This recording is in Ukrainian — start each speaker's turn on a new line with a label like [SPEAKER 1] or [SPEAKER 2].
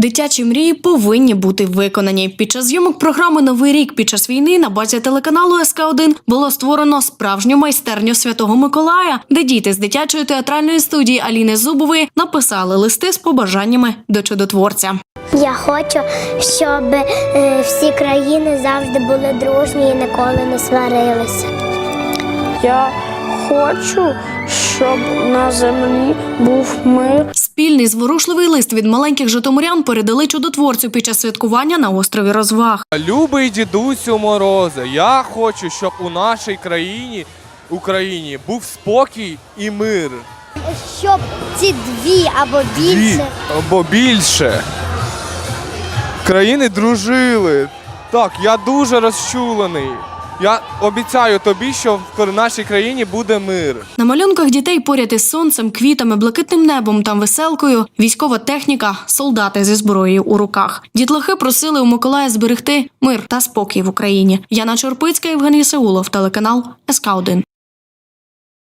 [SPEAKER 1] Дитячі мрії повинні бути виконані. Під час зйомок програми «Новий рік під час війни» на базі телеканалу СК1 було створено справжню майстерню Святого Миколая, де діти з дитячої театральної студії Аліни Зубової написали листи з побажаннями до чудотворця.
[SPEAKER 2] Я хочу, щоб всі країни завжди були дружні і ніколи не сварилися.
[SPEAKER 3] Я хочу, щоб на землі був мир.
[SPEAKER 1] Спільний зворушливий лист від маленьких житомирян передали чудотворцю під час святкування на острові Розваг.
[SPEAKER 4] Любий дідусю Морозе, я хочу, щоб у нашій країні, Україні, був спокій і мир.
[SPEAKER 2] Щоб ці або більше
[SPEAKER 4] країни дружили. Так, я дуже розчулений. Я обіцяю тобі, що в нашій країні буде мир.
[SPEAKER 1] На малюнках дітей поряд із сонцем, квітами, блакитним небом та веселкою військова техніка, солдати зі зброєю у руках. Дітлахи просили у Миколая зберегти мир та спокій в Україні. Яна Чорпицька, Євгеній Сеулов, телеканал СК1.